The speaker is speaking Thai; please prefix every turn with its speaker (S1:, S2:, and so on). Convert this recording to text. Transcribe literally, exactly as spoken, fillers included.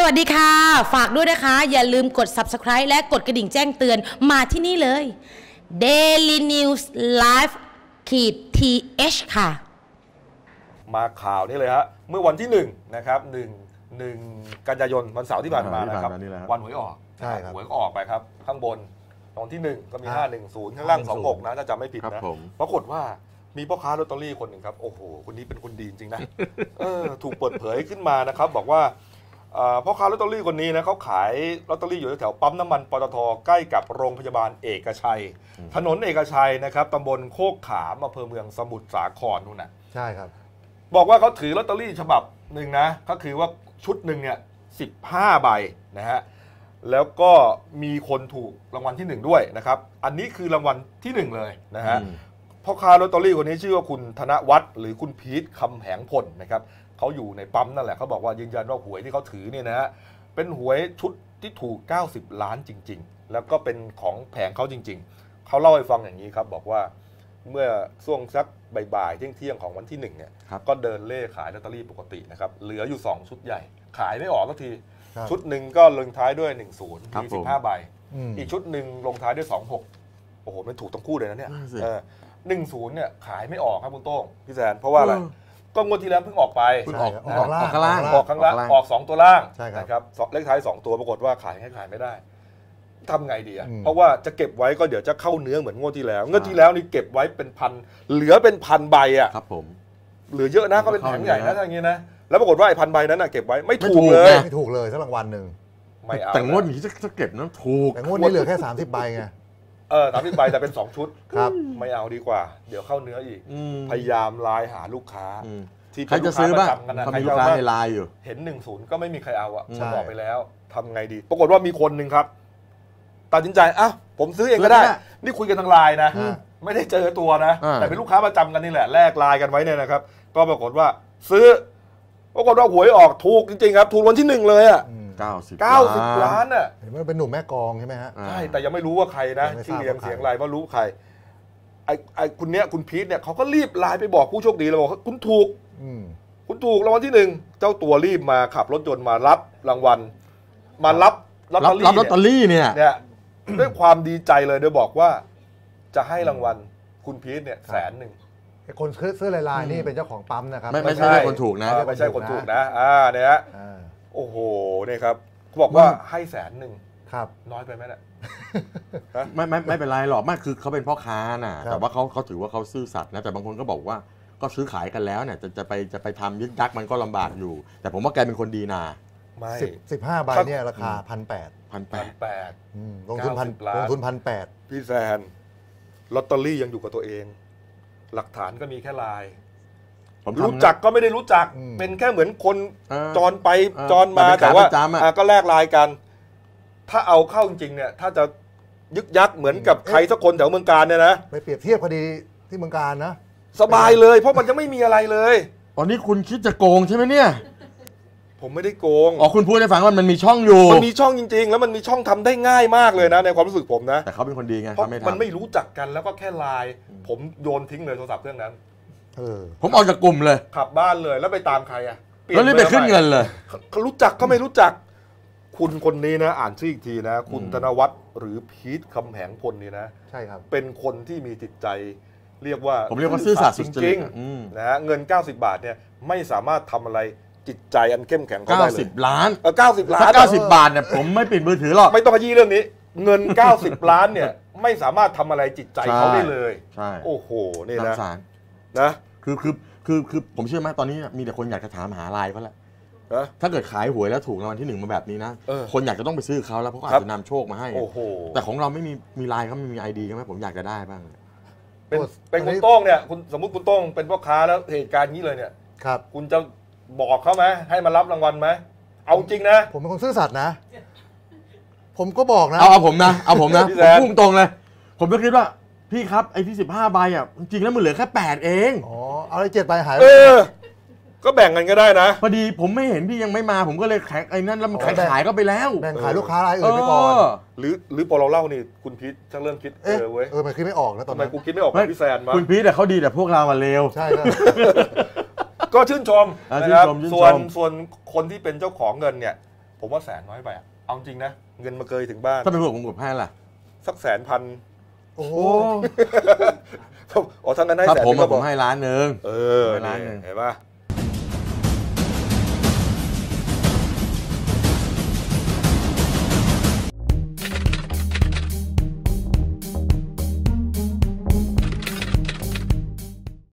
S1: วัสดีค่ะฝากด้วยนะคะอย่าลืมกด ซับสไครบ์ และกดกระดิ่งแจ้งเตือนมาที่นี่เลย Daily News Live ขีด ที เอช ค่ะ
S2: มาข่าวนี้เลยฮะเมื่อวันที่หนึ่งนะครับหนึ่งหนึ่งกันยายนวันเสาร์ที่ผ่านมานะครับวันหวยออก
S3: ใช่ครับ
S2: หวยออกไปครับข้างบนตอนที่หนึ่งก็มีห้าหนึ่งศูนย์ข้างล่างสองหกนะถ้าจำไม่ผิดนะปรากฏว่ามีพ่อค้าลอตเตอรี่คนหนึ่งครับโอ้โหคนนี้เป็นคนดีจริงๆนะเออถูกเปิดเผยขึ้นมานะครับบอกว่าพ่อค้าลอตเตอรี่คนนี้นะเขาขายลอตเตอรี่อยู่แถวปั๊มน้ำมันปตทใกล้กับโรงพยาบาลเอกชัยถนนเอกชัยนะครับตำบลโคกขามอำเภอเมืองสมุทรสาครนู่นน่ะ
S3: ใช่ครับ
S2: บอกว่าเขาถือลอตเตอรี่ฉบับหนึ่งนะก็คือว่าชุดหนึ่งเนี่ยสิบห้าใบนะฮะแล้วก็มีคนถูกรางวัลที่หนึ่งด้วยนะครับอันนี้คือรางวัลที่หนึ่งเลยนะฮะพ่อค้าลอตเตอรี่คนนี้ชื่อว่าคุณธนวัฒน์หรือคุณพีทคำแหงพลนะครับเขาอยู่ในปั๊มนั่นแหละเขาบอกว่ายืนยันว่าหวยที่เขาถือเนี่ยนะฮะเป็นหวยชุดที่ถูกเก้าสิบล้านจริงๆแล้วก็เป็นของแผงเขาจริงๆเขาเล่าให้ฟังอย่างนี้ครับบอกว่าเมื่อช่วงสักบ่ายๆเที่ยงๆของวันที่หนึ่งเนี่ยก็เดินเล่ขายลอตเตอรี่ปกตินะครับเหลืออยู่สองชุดใหญ่ขายไม่ออกสักทีชุดหนึ่งก็ลงท้ายด้วยหนึ่งศูนย์มีสิบห้าใบอีกชุดหนึ่งลงท้ายด้วยสองหกโอ้โหมันถูกทั้งคู่เลยนะเนี่ยหนึ่งศูนย์เนี่ยขายไม่ออกครับคุณโต้งพี่แซนเพราะว่าอะไรก็งวดที่แล้วเพิ่งออกไป
S3: เพิ่งออกออก
S2: ข้างล่างออกข้างล่างออกสองตัวล่างนะครับเลขท้ายสองตัวปรากฏว่าขายให้ขายไม่ได้ทำไงดีอ่ะเพราะว่าจะเก็บไว้ก็เดี๋ยวจะเข้าเนื้อเหมือนงวดที่แล้วงวดที่แล้วนี่เก็บไว้เป็นพันเหลือเป็นพันใบอ่ะ
S4: ครับผม
S2: เหลือเยอะนะก็เป็นแผงใหญ่นะอย่างงี้นะแล้วปรากฏว่าไอ้พันใบนั้นน่ะเก็บไว้ไม่ถูกเลย
S3: ไม่ถูกเลยสักรางวัลหนึ่ง
S2: ไม่เอา
S4: แต่งวดนี้จะเก็บนั้นถูก
S3: แต่งวดนี้เหลือแค่สามสิบใบไง
S2: เออสามสิบใบแต่เป็นสองชุด
S3: ครับ
S2: ไม่เอาดีกว่าเดี๋ยวเข้าเนื้ออีกพยายามไลน์หาลูกค้า
S4: ที่ใครจะซื้อบ้างเขามีลูกค้าในไลน์อยู่
S2: เห็นหนึ่งศูนย์ก็ไม่มีใครเอาอ่ะบอกไปแล้วทำไงดีปรากฏว่ามีคนหนึ่งครับตัดสินใจอ้าวผมซื้อเองก็ได้นี่คุยกันทางไลน์นะไม่ได้เจอตัวนะแต่เป็นลูกค้าประจำกันนี่แหละแลกไลน์กันไว้เนี่ยนะครับก็ปรากฏว่าซื้อปรากฏว่าหวยออกถูกจริงๆครับถูกวันที่หนึ่งเลยอ่ะ
S4: เก้าสิบ
S2: เก้าสิบล้านอ่ะ
S3: เห็นว่าเป็นหนุ่มแม่กองใช่ไหมฮะ
S2: ใช่แต่ยังไม่รู้ว่าใครนะชื่อเรียงเสียงอะไรว่ารู้ใครไอ้ไอ้คุณเนี้ยคุณพีทเนี่ยเขาก็รีบไลน์ไปบอกผู้โชคดีเลยบอกคุณถูกคุณถูกรางวัลที่หนึ่งเจ้าตัวรีบมาขับรถยนต์มารับรางวัลมารับ
S4: ลอตเตอรี่ลอตเตอรี่เนี่ย
S2: เนี่ยด้วยความดีใจเลยโดยบอกว่าจะให้รางวัลคุณพีทเนี่ยแสนหนึ่ง
S3: คนซื้อลายๆนี่เป็นเจ้าของปั๊มนะครับ
S4: ไม่ไม่ใช่คนถูกนะ
S2: ไม่ใช่คนถูกนะอ่าเนี่ยโอ้โหเนี่ยครับเขาบอกว่าให้แสนหนึ่ง
S3: ครับ
S2: น้อยไปไหมเนี่ย
S4: ไม่ไม่ไม่เป็นไรหรอกไม่คือเขาเป็นพ่อค้าน่ะแต่ว่าเขาเขาถือว่าเขาซื่อสัตย์นะแต่บางคนก็บอกว่าก็ซื้อขายกันแล้วเนี่ยจะจะไปจะไปทำยึดยักมันก็ลำบากอยู่แต่ผมว่าแกเป็นคนดีนะ
S2: ไม่
S3: สิบสิบห้าใบเนี่ยราคาพันแปด
S4: พันแปด
S2: แปด
S3: ลงทุนพันลงทุนพันแปด
S2: พี่แซนลอตเตอรี่ยังอยู่กับตัวเองหลักฐานก็มีแค่ลายรู้จักก็ไม่ได้รู้จักเป็นแค่เหมือนคนจรไปจรมาแต่ว่าก็แลกลายกันถ้าเอาเข้าจริงๆเนี่ยถ้าจะยึกยักเหมือนกับใครสักคนแถวเมืองการเนี่ยนะ
S3: ไปเปรียบเทียบคดีที่เมืองการนะ
S2: สบายเลยเพราะมันจะไม่มีอะไรเลย
S4: อ๋อนี่คุณคิดจะโกงใช่ไหมเนี่ย
S2: ผมไม่ได้โกง
S4: อ๋อคุณพูดให้ฟังว่ามันมีช่องอยู่
S2: มันมีช่องจริงๆแล้วมันมีช่องทำได้ง่ายมากเลยนะในความรู้สึกผมนะ
S4: แต่เขาเป็นคนดีไง
S2: เพราะมันไม่รู้จักกันแล้วก็แค่ไลน์ผมโยนทิ้งเลยโทรศัพท์เครื่องนั้น
S4: ผมออกจากกลุ่มเลย
S2: ขับบ้านเลยแล้วไปตามใครอ่ะ
S4: แล้วรีบไปขึ้นเงินเลย
S2: เขารู้จักก็ไม่รู้จักคุณคนนี้นะอ่านชื่ออีกทีนะคุณธนวัฒน์หรือพีทคำแหงพลนี่นะ
S3: ใช่ครับ
S2: เป็นคนที่มีจิตใจเรียกว่า
S4: ผมเรียกว่าซื่อสัตย์จริง
S2: ๆนะฮะเงินเก้าสิบบาทเนี่ยไม่สามารถทำอะไรจิตใจอันเข้มแข็งเขาได้เลย
S4: เก้าสิบล้าน
S2: เออเก้าสิบล้าน
S4: เก้าสิบบาทเนี่ยผมไม่ปิดมือถือหรอก
S2: ไม่ต้องขยี้เรื่องนี้เงินเก้าสิบล้านเนี่ยไม่สามารถทำอะไรจิตใจเขาได้เลย
S4: ใช่
S2: โอ้โหนี่นะ
S4: นะคือคือคือคือผมเชื่อไหมตอนนี้มีแต่คนอยากจะถามหาไลน์เขาแหละถ้าเกิดขายหวยแล้วถูกรางวัลที่หนึ่งมาแบบนี้นะคนอยากจะต้องไปซื้อเขาแล้วเพราะเขาอาจจะนำโชคมาให้แต่ของเราไม่มีมีไลน์เขาไม่มีไอดีกันไหมผมอยากจะได้บ้าง
S2: เป็นเป็นคุณโต้งเนี่ยคุณสมมุติคุณโต้งเป็นพ่อค้าแล้วเหตุการณ์นี้เลยเนี่ย
S3: ครับ
S2: คุณจะบอกเขาไหมให้มารับรางวัลไหมเอาจริงนะ
S3: ผมเป็นคนซื่อสัตย์นะผมก็บอกนะ
S4: เอาเอาผมนะเอาผมนะผมพุ่งตรงเลยผมก็คิดว่าพี่ครับไอ้ที่สิบห้าใบอ่ะจริงแล้วมันเหลือแค่แปดเอง
S3: อ๋อเอาไอ้เจ็ดใบหาย
S2: เออก็แบ่งกันก็ได้นะ
S4: พอดีผมไม่เห็นพี่ยังไม่มาผมก็เลยแข่งไอ้นั่นแล้วมันขายขายก็ไปแล้ว
S3: แบ่งขายลูกค้ารายอื่นไปก่อน
S2: หรือหรือพอเราเล่านี่คุณพีทจะเริ่มคิดเออ
S3: เว้ยเออมันคิดไม่ออกแล้วตอน
S2: นั้นกูคิดไม่ออกกับพี่แซนมา
S4: คุณพีทแต่เขาดีแต่พวกเรามาเลว
S3: ใช่ครับ
S2: ก็ชื่นชมนะครับส่วนส่วนคนที่เป็นเจ้าของเงินเนี่ยผมว่าแสนน้อยไปอะเอาจริงนะเงินมาเกยถึงบ้าน
S4: ถ้าเป็นผมผมกดให้ล่ะ
S2: สักแสนพัน
S3: โอ้โห
S2: อ๋อทั้งนั้นให้แสน
S4: ถ้าผมผมให้ล้านหนึ่ง
S2: เออล้านหนึ่งเห็นป่ะ